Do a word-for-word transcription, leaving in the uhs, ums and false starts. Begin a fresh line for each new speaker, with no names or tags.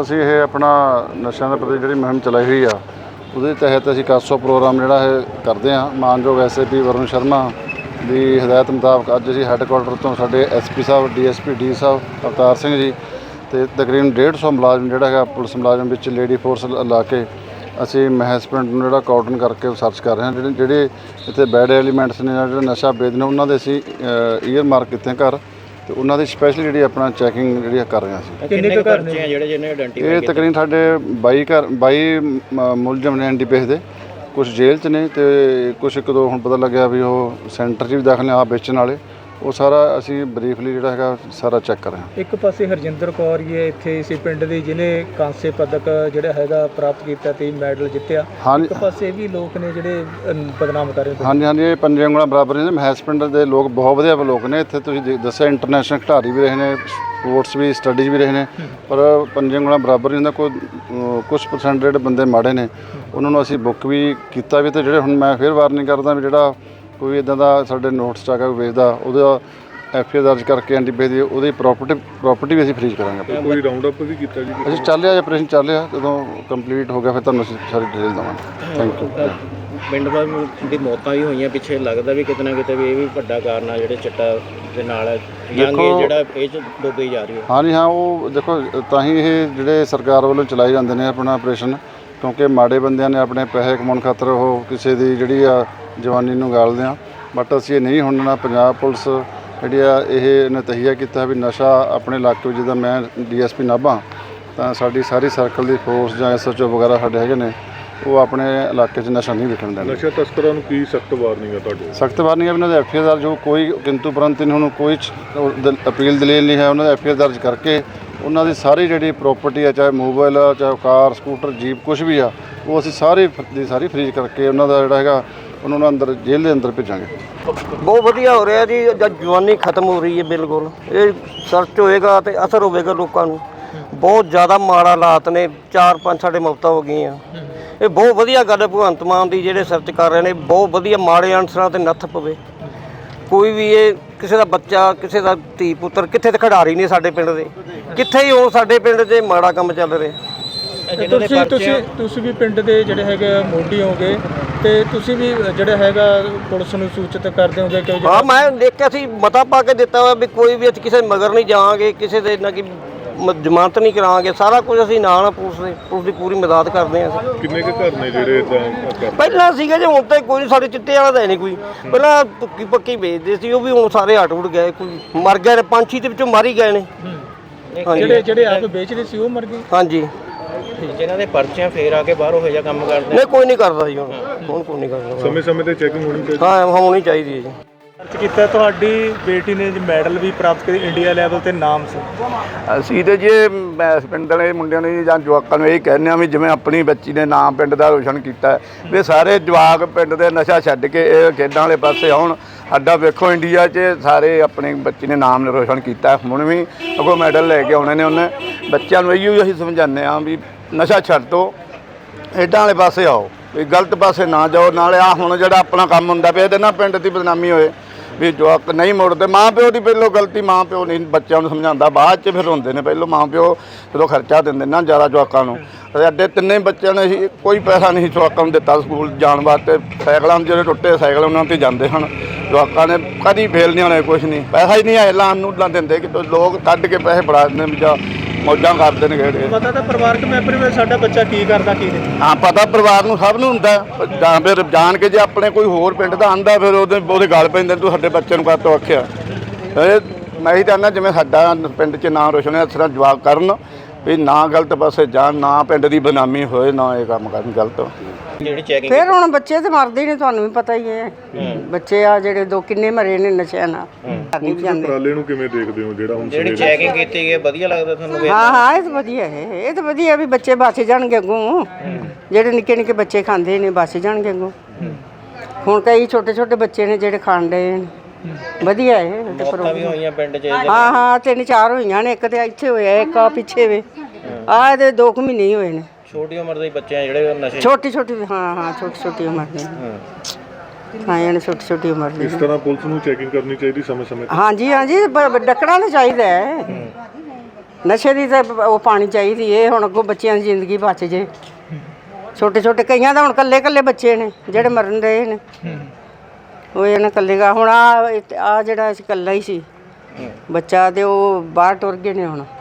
ਅਸੀਂ ਇਹ ਆਪਣਾ ਨਸ਼ਿਆਂ ਦੇ ਪ੍ਰਤੀ ਜਿਹੜੀ ਮੁਹਿੰਮ ਚਲਾਈ ਹੋਈ ਆ ਉਹਦੇ ਤਹਿਤ ਅਸੀਂ ਕਾਸੋ ਪ੍ਰੋਗਰਾਮ ਜਿਹੜਾ ਇਹ ਕਰਦੇ ਹਾਂ। ਮਾਨਯੋਗ S A P Varun Sharma ਦੀ ਹਦਾਇਤ ਮੁਤਾਬਕ ਅੱਜ ਅਸੀਂ ਹੈੱਡਕੁਆਟਰ ਤੋਂ ਸਾਡੇ S P sahib, D S P D sahib Avtar Singh ji ਅਤੇ ਤਕਰੀਬਨ ਡੇਢ ਸੌ ਮੁਲਾਜ਼ਮ ਜਿਹੜਾ ਹੈਗਾ ਪੁਲਿਸ ਮੁਲਾਜ਼ਮ ਵਿੱਚ ਲੇਡੀ ਫੋਰਸ ਲਾ ਕੇ ਅਸੀਂ ਮਹਿਸ ਪਿੰਡ ਨੂੰ ਜਿਹੜਾ ਕਾਰਡਨ ਕਰਕੇ ਸਰਚ ਕਰ ਰਹੇ ਹਾਂ। ਜਿਹੜੇ ਜਿਹੜੇ ਇੱਥੇ ਬੈਡ ਐਲੀਮੈਂਟਸ ਨੇ, ਜਿਹੜੇ ਨਸ਼ਾ ਵੇਚਦੇ ਨੇ, ਉਹਨਾਂ ਦੇ ਅਸੀਂ ਈਅਰ ਮਾਰਕ ਕੀਤੇ ਘਰ ਅਤੇ ਉਹਨਾਂ ਦੀ ਸਪੈਸ਼ਲ ਜਿਹੜੀ ਆਪਣਾ ਚੈਕਿੰਗ ਜਿਹੜੀ ਕਰ ਰਹੇ ਹਾਂ ਅਸੀਂ।
ਕਿੰਨੇ ਕੁ ਘਰ ਨੇ ਜਿਹੜੇ ਜਿਹਨੇ ਆਇਡੈਂਟੀਫਾਈ
ਇਹ ਤਕਰੀਬਨ ਸਾਡੇ ਬਾਈ ਘਰ ਬਾਈ ਮੁਲਜ਼ਮ ਨੇ ਐਨ ਡੀ ਪੀ ਐਸ ਦੇ, ਕੁਛ ਜੇਲ੍ਹ 'ਚ ਨੇ ਅਤੇ ਕੁਛ ਇੱਕ ਦੋ ਹੁਣ ਪਤਾ ਲੱਗਿਆ ਵੀ ਉਹ ਸੈਂਟਰ 'ਚ ਵੀ ਦਾਖਲ ਨੇ ਆਪ ਵੇਚਣ ਵਾਲੇ। ਉਹ ਸਾਰਾ ਅਸੀਂ ਬਰੀਫਲੀ ਜਿਹੜਾ ਹੈਗਾ ਸਾਰਾ ਚੈੱਕ ਕਰ ਰਹੇ ਹਾਂ।
ਇੱਕ ਪਾਸੇ ਹਰਜਿੰਦਰ ਕੌਰ ਹੀ ਹੈ ਇੱਥੇ ਇਸੇ ਪਿੰਡ ਦੀ, ਜਿਹਨੇ ਕਾਂਸੇ ਪਦਕ ਜਿਹੜਾ ਹੈਗਾ ਪ੍ਰਾਪਤ ਕੀਤਾ ਤੇ ਮੈਡਲ ਜਿੱਤਿਆ।
ਹਾਂਜੀ,
ਇੱਕ ਪਾਸੇ ਵੀ ਲੋਕ ਨੇ ਜਿਹੜੇ ਬਦਨਾਮ ਕਰ ਰਹੇ ਨੇ।
ਹਾਂਜੀ ਹਾਂਜੀ, ਇਹ ਪੰਜੇ ਉਂਗਲਾਂ ਬਰਾਬਰ ਨੇ। ਮਹਿਸ ਪਿੰਡ ਦੇ ਲੋਕ ਬਹੁਤ ਵਧੀਆ ਲੋਕ ਨੇ। ਇੱਥੇ ਤੁਸੀਂ ਦੱਸਿਆ ਇੰਟਰਨੈਸ਼ਨਲ ਖਿਡਾਰੀ ਵੀ ਰਹੇ ਨੇ, ਸਪੋਰਟਸ ਵੀ, ਸਟੱਡੀਜ਼ ਵੀ ਰਹੇ ਨੇ, ਪਰ ਪੰਜੇ ਉਂਗਲਾਂ ਬਰਾਬਰ ਨਹੀਂ ਹੁੰਦਾ। ਕੋਈ ਕੁਛ ਪਰਸੈਂਟ ਜਿਹੜੇ ਬੰਦੇ ਮਾੜੇ ਨੇ ਉਹਨਾਂ ਨੂੰ ਅਸੀਂ ਬੁੱਕ ਵੀ ਕੀਤਾ ਵੀ, ਅਤੇ ਜਿਹੜੇ ਹੁਣ ਮੈਂ ਫਿਰ ਵਾਰਨਿੰਗ ਕਰਦਾ ਵੀ ਜਿਹੜਾ ਕੋਈ ਇੱਦਾਂ ਦਾ ਸਾਡੇ ਨੋਟਸ 'ਚ ਆ ਕੇ ਵੇਚਦਾ ਉਹਦਾ ਐਫ ਆਈ ਆਰ ਦਰਜ ਕਰਕੇ ਐਨ ਡੀ ਪੀ ਦੀ ਉਹਦੀ ਪ੍ਰੋਪਰਟੀ ਪ੍ਰੋਪਰਟੀ ਵੀ ਅਸੀਂ ਫਰੀਜ਼ ਕਰਾਂਗੇ।
ਕੋਈ ਰਾਉਂਡ ਅਪ ਵੀ ਕੀਤਾ ਜੀ?
ਅਸੀਂ ਚੱਲ ਰਿਹਾ ਆਪਰੇਸ਼ਨ ਚੱਲ ਰਿਹਾ, ਜਦੋਂ ਕੰਪਲੀਟ ਹੋ ਗਿਆ ਫਿਰ ਤੁਹਾਨੂੰ ਅਸੀਂ ਸਾਰੀ ਡਿਟੇਲ ਦੇਵਾਂਗੇ। Thank you.
ਪਿੰਡ ਦੀ ਮੌਤਾਂ ਵੀ ਹੋਈਆਂ ਪਿੱਛੇ, ਲੱਗਦਾ ਵੀ ਕਿਤੇ ਨਾ ਕਿਤੇ ਵੀ ਇਹ ਵੀ ਵੱਡਾ ਕਾਰਨ ਆ ਜਿਹੜੇ ਚਿੱਟਾ ਦੇ ਨਾਲ ਯੰਗ ਜਿਹੜਾ ਇਹ 'ਚ ਡੁੱਬੀ ਜਾ ਰਹੀ ਹੈ। ਹਾਂਜੀ
ਹਾਂ, ਉਹ ਦੇਖੋ ਤਾਂ ਹੀ ਇਹ ਜਿਹੜੇ ਸਰਕਾਰ ਵੱਲੋਂ ਚਲਾਏ ਜਾਂਦੇ ਨੇ ਆਪਣਾ ਆਪਰੇਸ਼ਨ, ਕਿਉਂਕਿ ਮਾੜੇ ਬੰਦਿਆਂ ਨੇ ਆਪਣੇ ਪੈਸੇ ਕਮਾਉਣ ਖਾਤਰ ਉਹ ਕਿਸੇ ਦੀ ਜਿਹੜੀ ਆ ਜਵਾਨੀ ਨੂੰ ਗਾਲਦੇ ਆ। ਬਟ ਅਸੀਂ ਇਹ ਨਹੀਂ ਹੁਣ ਨਾ, ਪੰਜਾਬ ਪੁਲਿਸ ਜਿਹੜੀ ਆ ਇਹ ਨੇ ਤਹੀਆ ਕੀਤਾ ਵੀ ਨਸ਼ਾ ਆਪਣੇ ਇਲਾਕੇ ਵਿੱਚ, ਜਿੱਦਾਂ ਮੈਂ ਡੀ ਐਸ ਪੀ ਨਾਭਾ ਤਾਂ ਸਾਡੀ ਸਾਰੀ ਸਰਕਲ ਦੀ ਫੋਰਸ ਜਾਂ ਐਸ ਐਚ ਓ ਵਗੈਰਾ ਸਾਡੇ ਹੈਗੇ ਨੇ, ਉਹ ਆਪਣੇ ਇਲਾਕੇ 'ਚ ਨਸ਼ਾ ਨਹੀਂ ਵਿਕਣ ਦਿੰਦੇ।
ਨਸ਼ਾ ਤਸਕਰਾਂ ਨੂੰ ਕੀ ਸਖਤ ਵਾਰਨਿੰਗ ਹੈ ਤੁਹਾਡੀ?
ਸਖਤ ਵਾਰਨਿੰਗ ਹੈ ਵੀ ਉਹਨਾਂ ਦੇ ਐਫ ਆਈ ਆਰ ਦਰਜ ਹੋ, ਕੋਈ ਕਿੰਤੂ ਪਰੰਤ ਨਹੀਂ, ਹੁਣ ਕੋਈ ਅਪੀਲ ਦਲੀਲ ਨਹੀਂ ਹੈ। ਉਹਨਾਂ ਦੇ ਐਫ ਆਈ ਆਰ ਦਰਜ ਕਰਕੇ ਉਹਨਾਂ ਦੀ ਸਾਰੀ ਜਿਹੜੀ ਪ੍ਰੋਪਰਟੀ ਆ, ਚਾਹੇ ਮੋਬਾਈਲ ਆ, ਚਾਹੇ ਕਾਰ, ਸਕੂਟਰ, ਜੀਪ, ਕੁਛ ਵੀ ਆ, ਉਹ ਅਸੀਂ ਸਾਰੇ ਦੀ ਸਾਰੀ ਫਰੀਜ਼ ਕਰਕੇ ਉਹਨਾਂ ਦਾ ਜਿਹੜਾ ਹੈਗਾ ਉਹਨਾਂ ਨੂੰ ਅੰਦਰ ਜੇਲ੍ਹ ਦੇ ਅੰਦਰ ਭੇਜਾਂਗੇ।
ਬਹੁਤ ਵਧੀਆ ਹੋ ਰਿਹਾ ਜੀ। ਜਦ ਜਵਾਨੀ ਖਤਮ ਹੋ ਰਹੀ ਹੈ ਬਿਲਕੁਲ, ਇਹ ਸਰਚ ਹੋਏਗਾ ਅਤੇ ਅਸਰ ਹੋਵੇਗਾ ਲੋਕਾਂ ਨੂੰ। ਬਹੁਤ ਜ਼ਿਆਦਾ ਮਾੜਾ ਹਾਲਾਤ ਨੇ, ਚਾਰ ਪੰਜ ਸਾਡੇ ਮੌਤਾਂ ਹੋ ਗਈਆਂ। ਇਹ ਬਹੁਤ ਵਧੀਆ ਗੱਲ ਹੈ ਭਗਵੰਤ ਮਾਨ ਦੀ, ਜਿਹੜੇ ਸਰਚ ਕਰ ਰਹੇ ਨੇ। ਬਹੁਤ ਵਧੀਆ, ਮਾੜੇ ਅਨਸਰਾਂ 'ਤੇ ਨੱਥ ਪਵੇ। ਕੋਈ ਵੀ ਇਹ ਕਿਸੇ ਦਾ ਬੱਚਾ, ਕਿਸੇ ਦਾ ਧੀ ਪੁੱਤਰ, ਕਿੱਥੇ ਤੇ ਖਿਡਾਰੀ ਨਹੀਂ ਸਾਡੇ ਪਿੰਡ ਦੇ, ਕਿੱਥੇ ਹੀ ਉਹ ਸਾਡੇ ਪਿੰਡ 'ਚ ਮਾੜਾ ਕੰਮ ਚੱਲ ਰਿਹਾ।
ਤੁਸੀਂ ਤੁਸੀਂ ਤੁਸੀਂ ਵੀ ਪਿੰਡ ਦੇ ਜਿਹੜੇ ਹੈਗੇ ਮੋਢੀ ਹੋਗੇ ਤੇ ਤੁਸੀਂ ਵੀ ਜਿਹੜਾ ਹੈਗਾ ਪੁਲਿਸ ਨੂੰ ਸੂਚਿਤ ਕਰਦੇ ਹੋਗੇ ਕਿ?
ਹਾਂ, ਮੈਂ ਦੇਖਿਆ ਸੀ, ਮਤਾ ਪਾ ਕੇ ਦਿੱਤਾ ਹੋਇਆ ਵੀ ਕੋਈ ਵੀ ਅਸੀਂ ਕਿਸੇ ਮਗਰ ਨਹੀਂ ਜਾਵਾਂਗੇ, ਕਿਸੇ ਦੇ ਨਾ ਕਿ ਜ਼ਮਾਨਤ ਨਹੀਂ ਕਰਾਵਾਂਗੇ। ਸਾਰਾ ਕੁਝ ਅਸੀਂ ਨਾਲ ਆ, ਪੁਲਿਸ ਦੇ ਪੁਲਿਸ ਦੀ ਪੂਰੀ ਮਦਦ ਕਰਦੇ ਹਾਂ।
ਕਿੰਨੇ ਕੁ ਘਰ ਨੇ ਜਿਹੜੇ ਇਦਾਂ?
ਪਹਿਲਾਂ ਸੀਗਾ ਜੀ, ਹੁਣ ਤਾਂ ਕੋਈ ਨਹੀਂ। ਸਾਡੇ ਚਿੱਟੇ ਵਾਲਾ ਤਾਂ ਨਹੀਂ ਕੋਈ। ਪਹਿਲਾਂ ਪੱਕੀ ਪੱਕੀ ਵੇਚਦੇ ਸੀ, ਉਹ ਵੀ ਹੁਣ ਸਾਰੇ ਹਟ ਉੜ ਗਏ, ਕੋਈ ਮਰ ਗਏ ਨੇ, ਪੰਜ ਛੇ ਦੇ ਵਿੱਚੋਂ ਮਰ ਹੀ ਗਏ ਨੇ।
ਜਿਹੜੇ ਜਿਹੜੇ ਆਪ ਵੇਚਦੇ ਸੀ ਉਹ ਮਰ ਗਏ?
ਹਾਂਜੀ।
ਜਿਹਨਾਂ ਦੇ ਪਰਚੀਆਂ ਫੇਰ ਆ ਕੇ ਬਾਹਰ ਉਹ ਜਿਹਾ ਕੰਮ ਕਰਦੇ
ਨਹੀਂ, ਕੋਈ ਨਹੀਂ ਕਰਦਾ ਜੀ ਹੁਣ ਹੁਣ ਕੋਈ ਨਹੀਂ ਕਰਦਾ।
ਸਮੇਂ ਸਮੇਂ ਤੇ ਚੈਕਿੰਗ ਹੋਣੀ ਚਾਹੀਦੀ?
ਹਾਂ, ਹੋਣੀ ਚਾਹੀਦੀ ਹੈ ਜੀ।
ਸਰਚ ਕੀਤਾ, ਤੁਹਾਡੀ ਬੇਟੀ ਨੇ ਮੈਡਲ ਵੀ ਪ੍ਰਾਪਤ ਕੀਤਾ ਇੰਡੀਆ ਲੈਵਲ ਤੇ, ਨਾਮ ਸੀ?
ਅਸੀਂ ਤਾਂ ਜੀ ਮੈਸ ਪਿੰਡ ਵਾਲੇ ਮੁੰਡਿਆਂ ਨੂੰ ਜਾਂ ਜਵਾਕਾਂ ਨੂੰ ਇਹ ਕਹਿੰਦੇ ਹਾਂ ਵੀ ਜਿਵੇਂ ਆਪਣੀ ਬੱਚੀ ਨੇ ਨਾਮ ਪਿੰਡ ਦਾ ਰੋਸ਼ਨ ਕੀਤਾ, ਵੀ ਸਾਰੇ ਜਵਾਕ ਪਿੰਡ ਦੇ ਨਸ਼ਾ ਛੱਡ ਕੇ ਇਹ ਖੇਡਾਂ ਵਾਲੇ ਪਾਸੇ ਆਉਣ। ਸਾਡਾ ਵੇਖੋ ਇੰਡੀਆ 'ਚ ਸਾਰੇ ਆਪਣੀ ਬੱਚੀ ਨੇ ਨਾਮ ਰੋਸ਼ਨ ਕੀਤਾ, ਹੁਣ ਵੀ ਅੱਗੋਂ ਮੈਡਲ ਲੈ ਕੇ ਆਉਣੇ ਨੇ ਉਹਨੇ। ਬੱਚਿਆਂ ਨੂੰ ਇਹੀ ਅਸੀਂ ਸਮਝਾਉਂਦੇ ਹਾਂ ਵੀ ਨਸ਼ਾ ਛੱਡ ਦਿਓ, ਖੇਡਾਂ ਵਾਲੇ ਪਾਸੇ ਆਓ, ਵੀ ਗਲਤ ਪਾਸੇ ਨਾ ਜਾਓ। ਨਾਲੇ ਆ ਹੁਣ ਜਿਹੜਾ ਆਪਣਾ ਕੰਮ ਹੁੰਦਾ ਪਿਆ ਇਹਦੇ ਨਾਲ ਪਿੰਡ ਦੀ ਬਦਨਾਮੀ ਹੋਏ, ਵੀ ਜਵਾਕ ਨਹੀਂ ਮੁੜਦੇ। ਮਾਂ ਪਿਓ ਦੀ ਪਹਿਲੋਂ ਗਲਤੀ, ਮਾਂ ਪਿਓ ਨਹੀਂ ਬੱਚਿਆਂ ਨੂੰ ਸਮਝਾਉਂਦਾ, ਬਾਅਦ 'ਚ ਫਿਰ ਹੁੰਦੇ ਨੇ। ਪਹਿਲੋਂ ਮਾਂ ਪਿਓ ਜਦੋਂ ਖਰਚਾ ਦਿੰਦੇ ਨਾ ਜ਼ਿਆਦਾ ਜਵਾਕਾਂ ਨੂੰ। ਸਾਡੇ ਤਿੰਨੇ ਬੱਚਿਆਂ ਨੇ ਅਸੀਂ ਕੋਈ ਪੈਸਾ ਨਹੀਂ ਜਵਾਕਾਂ ਨੂੰ ਦਿੱਤਾ ਸਕੂਲ ਜਾਣ ਵਾਸਤੇ। ਸਾਈਕਲਾਂ ਜਿਹੜੇ ਟੁੱਟੇ ਸਾਈਕਲ ਉਹਨਾਂ 'ਤੇ ਜਾਂਦੇ ਹਨ ਜਵਾਕਾਂ ਨੇ, ਕਦੀ ਫੇਲ ਨਹੀਂ ਹੋਣੇ, ਕੁਛ ਨਹੀਂ। ਪੈਸਾ ਹੀ ਨਹੀਂ ਆਏ ਲਾਣ ਨੂੰ ਲਾ ਦਿੰਦੇ ਕਿ ਲੋਕ ਕੱਢ ਕੇ ਪੈਸੇ ਫੜਾ ਦਿੰਦੇ ਵੀ ਜਾਂ ਮੌਜਾਂ ਕਰਦੇ ਨੇ ਖੇਡ ਕੇ।
ਪਤਾ ਤਾਂ ਪਰਿਵਾਰਕ ਮੈਂਬਰ ਵੀ ਸਾਡਾ ਬੱਚਾ ਕੀ ਕਰਦਾ ਕੀ ਨਹੀਂ?
ਹਾਂ, ਪਤਾ ਪਰਿਵਾਰ ਨੂੰ ਸਭ ਨੂੰ ਹੁੰਦਾ। ਜਾਂ ਫਿਰ ਜਾਣ ਕੇ ਜੇ ਆਪਣੇ ਕੋਈ ਹੋਰ ਪਿੰਡ ਦਾ ਆਂਦਾ ਫਿਰ ਉਹਦੇ ਉਹਦੇ ਗਲ ਪੈਂਦੇ, ਤੂੰ ਸਾਡੇ ਬੱਚੇ ਨੂੰ ਕਾਹਤੋਂ ਆਖਿਆ। ਮੈਂ ਹੀ ਚਾਹੁੰਦਾ ਜਿਵੇਂ ਸਾਡਾ ਪਿੰਡ 'ਚ ਨਾਂ ਰੋਸ਼ਨ ਹੈ, ਇਸ ਤਰ੍ਹਾਂ ਜਵਾਬ ਕਰਨ ਵੀ ਨਾ ਗਲਤ ਪਾਸੇ ਜਾਣ, ਨਾ ਪਿੰਡ ਦੀ ਬਦਨਾਮੀ ਹੋਏ, ਨਾ ਇਹ ਕੰਮ ਕਰਨ ਗਲਤ।
ਜਿਹੜੀ ਚੈਕਿੰਗ
ਫਿਰ ਹੁਣ ਬੱਚੇ ਤੇ ਮਰਦੇ ਨੇ, ਤੁਹਾਨੂੰ ਵੀ ਪਤਾ ਹੀ ਹੈ। ਬੱਚੇ ਆ ਜਿਹੜੇ ਦੋ ਕਿੰਨੇ ਮਰੇ ਨੇ ਨਸ਼ਿਆਂ ਨਾਲ।
ਉਪਰਾਲੇ ਨੂੰ ਕਿਵੇਂ ਦੇਖਦੇ ਹੋ ਜਿਹੜਾ ਹੁਣ
ਜਿਹੜੀ ਚੈਕਿੰਗ ਕੀਤੀ ਗਈ ਵਧੀਆ ਲੱਗਦਾ ਤੁਹਾਨੂੰ?
ਹਾਂ ਹਾਂ, ਇਹ ਤਾਂ ਵਧੀਆ ਹੈ, ਇਹ ਤਾਂ ਵਧੀਆ ਵੀ ਬੱਚੇ ਬਚ ਜਾਣਗੇ ਅੱਗੋਂ। ਜਿਹੜੇ ਨਿੱਕੇ ਨਿੱਕੇ ਬੱਚੇ ਖਾਂਦੇ ਨੇ ਬਚ ਜਾਣਗੇ ਅੱਗੋਂ। ਹੁਣ ਕਈ ਛੋਟੇ ਛੋਟੇ ਬੱਚੇ ਨੇ ਜਿਹੜੇ ਖਾਣ ਡਏ ਨੇ। ਵਧੀਆ ਹੈ।
ਮੌਤਾਂ ਵੀ ਹੋਈਆਂ ਪਿੰਡ 'ਚ?
ਹਾਂ ਹਾਂ, ਤਿੰਨ ਚਾਰ ਹੋਈਆਂ ਨੇ। ਇੱਕ ਤੇ ਇੱਥੇ ਹੋਇਆ, ਇੱਕ ਆ ਪਿੱਛੇ ਵੇ ਆ, ਇਹਦੇ ਦੋ ਕੁ ਮਹੀਨੇ ਹੀ ਹੋਏ ਨੇ।
ਛੋਟੀ ਉਮਰ ਦੇ ਬੱਚੇ ਆ ਜਿਹੜੇ ਨਸ਼ੇ?
ਛੋਟੀ ਛੋਟੀ, ਹਾਂ ਹਾਂ, ਛੋਟੀ ਛੋਟੀ ਉਮਰ ਦੇ। ਹਾਂ, ਇਹਨੇ ਛੋਟੀ ਛੋਟੀ ਉਮਰ ਦੀ।
ਇਸ ਤਰ੍ਹਾਂ ਪੁਲਿਸ ਨੂੰ ਚੈਕਿੰਗ ਕਰਨੀ ਚਾਹੀਦੀ ਸਮੇਂ ਸਮੇਂ ਤੇ?
ਹਾਂਜੀ ਹਾਂਜੀ, ਡੱਕਣਾ ਤਾਂ ਚਾਹੀਦਾ ਹੈ। ਨਸ਼ੇ ਦੀ ਤਾਂ ਉਹ ਪਾਣੀ ਚਾਹੀਦੀ ਇਹ ਹੁਣ ਅੱਗੋਂ ਬੱਚਿਆਂ ਦੀ ਜ਼ਿੰਦਗੀ ਬਚ ਜੇ ਛੋਟੇ ਛੋਟੇ ਕਈਆਂ ਦਾ ਹੁਣ ਕੱਲੇ ਕੱਲੇ ਬੱਚੇ ਨੇ ਜਿਹੜੇ ਮਰਨ ਰਹੇ ਨੇ ਉਹ ਇਹਨਾਂ ਕੱਲੇਗਾ ਹੁਣ ਆ ਆ ਜਿਹੜਾ ਇਕੱਲਾ ਹੀ ਸੀ ਬੱਚਾ ਤੇ ਉਹ ਬਾਹਰ ਟੁਰ ਗਏ ਨੇ ਹੁਣ